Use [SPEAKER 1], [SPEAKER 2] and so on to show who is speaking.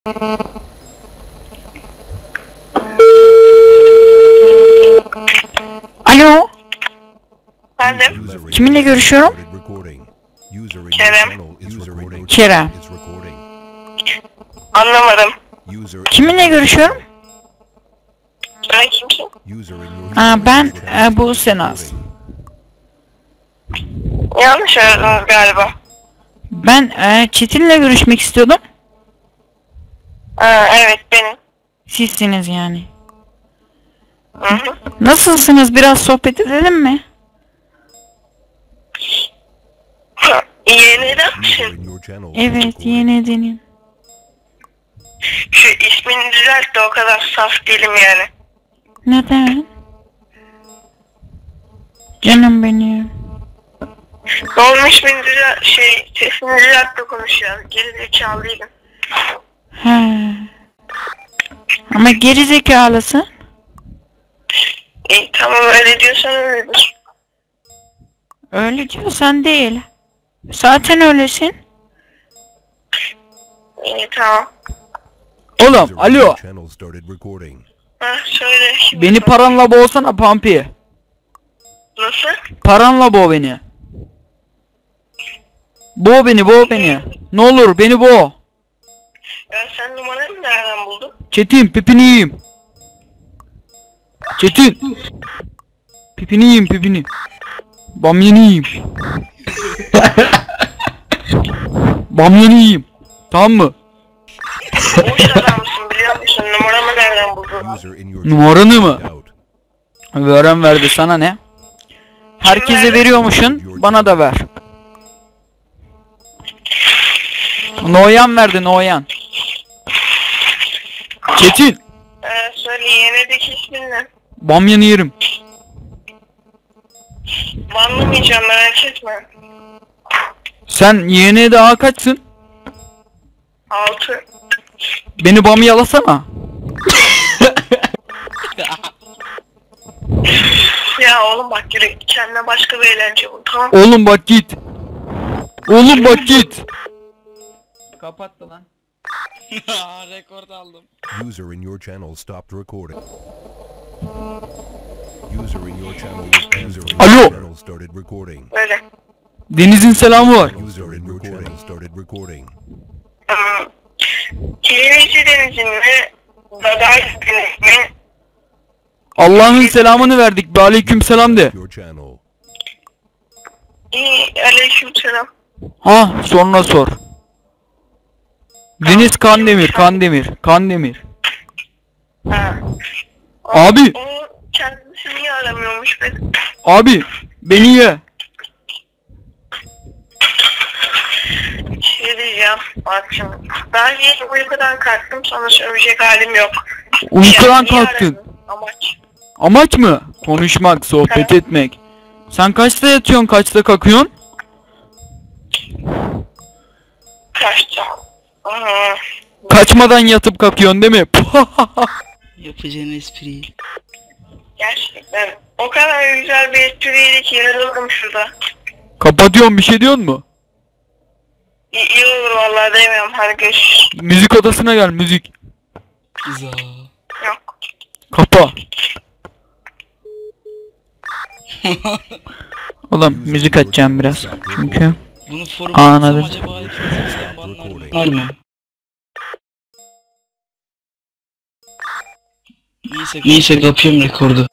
[SPEAKER 1] Alo.
[SPEAKER 2] Efendim?
[SPEAKER 1] Kiminle görüşüyorum?
[SPEAKER 2] Kerem.
[SPEAKER 1] Kerem.
[SPEAKER 2] Anlamadım.
[SPEAKER 1] Kiminle görüşüyorum?
[SPEAKER 2] Sen kimsin?
[SPEAKER 1] Ben bu Senaz.
[SPEAKER 2] Yanlış aradınız galiba.
[SPEAKER 1] Ben Çetin'le görüşmek istiyordum.
[SPEAKER 2] Evet benim.
[SPEAKER 1] Sizsiniz yani.
[SPEAKER 2] Hı hı.
[SPEAKER 1] Nasılsınız? Biraz sohbet edelim mi?
[SPEAKER 2] Yeniden misin?
[SPEAKER 1] Evet, yeni edeyim.
[SPEAKER 2] Şu ismini düzelt de o kadar saf değilim yani.
[SPEAKER 1] Neden? Canım benim.
[SPEAKER 2] Ne olmuş ismini düzelt, sesini düzelt de konuş ya. Gerizekalı değilim.
[SPEAKER 1] He. Ama geri zekalısın.
[SPEAKER 2] Tamam öyle diyorsan öyledir.
[SPEAKER 1] Öyle diyorsan değil. Zaten öylesin.
[SPEAKER 2] Tamam.
[SPEAKER 3] Oğlum alo.
[SPEAKER 2] Söyle. Şimdi
[SPEAKER 3] Beni
[SPEAKER 2] söyle.
[SPEAKER 3] paranla boğsana Pampi.
[SPEAKER 2] Nasıl?
[SPEAKER 3] Paranla boğ beni. Boğ beni. Ne olur beni boğ.
[SPEAKER 2] Ya sen numaranı nereden buldun?
[SPEAKER 3] Çetin pipini yiyeyim. Çetin. Pipini yiyeyim pipini. Bamyanı yiyeyim. Bamyanı yiyeyim. Tamam mı?
[SPEAKER 2] Boş adamsın biliyor musun? Numaramı nereden buldun?
[SPEAKER 3] Numaranı mı? Veren verdi, sana ne? Herkese veriyormuşsun, bana da ver. Noyan verdi, Noyan. Çetin.
[SPEAKER 2] Söyle yenideki ismin ne?
[SPEAKER 3] Bamyanı yerim.
[SPEAKER 2] Banlamayacağım merak etme.
[SPEAKER 3] Sen yeğene daha kaçsın?
[SPEAKER 2] 6.
[SPEAKER 3] Beni bamyalasana.
[SPEAKER 2] Ya oğlum bak yürü kendine başka bir eğlence bul tamam.
[SPEAKER 3] Oğlum bak git. Oğlum bak git. Kapattı lan.
[SPEAKER 4] Rekord aldım.
[SPEAKER 5] User in your channel stopped recording. User in your channel started recording.
[SPEAKER 2] Öyle.
[SPEAKER 3] Deniz'in selamı var.
[SPEAKER 5] User in your channel started recording.
[SPEAKER 2] Kirimici denizin mi? Daday deniz mi?
[SPEAKER 3] Allah'ın selamını verdik. Be aleyküm selam de.
[SPEAKER 5] Your channel.
[SPEAKER 2] Aleykümselam.
[SPEAKER 3] Ha, sonra sor. Deniz Kandemir.
[SPEAKER 2] Ha.
[SPEAKER 3] Abi.
[SPEAKER 2] O kendisi niye aramıyormuş beni?
[SPEAKER 3] Abi beni ye.
[SPEAKER 2] Şey diyeceğim bak şimdi. Ben yeni uykudan kalktım sana söyleyecek halim yok.
[SPEAKER 3] Uykudan
[SPEAKER 2] Niye
[SPEAKER 3] kalktın.
[SPEAKER 2] aradın? Amaç.
[SPEAKER 3] Amaç mı? Konuşmak, sohbet etmek. Sen kaçta yatıyorsun, kaçta kalkıyorsun?
[SPEAKER 2] Kaçtı.
[SPEAKER 3] Kaçmadan yatıp kalkıyorsun değil mi?
[SPEAKER 4] Yapacağın espriyi.
[SPEAKER 2] Gerçekten. O kadar güzel bir espriydi ki yarıldım şurada.
[SPEAKER 3] Kapatıyorum, bir şey diyorsun mu?
[SPEAKER 2] İyi olur vallahi demiyorum hadi görüşürüz.
[SPEAKER 3] Müzik odasına gel, müzik.
[SPEAKER 4] Za.
[SPEAKER 2] Yok.
[SPEAKER 3] Kapa. Oğlum müzik açacağım biraz. Çünkü
[SPEAKER 4] Bunu foruma
[SPEAKER 3] anladım.
[SPEAKER 4] atsam acaba hepimizden banlar mı? Neyse kapıyorum rekordu.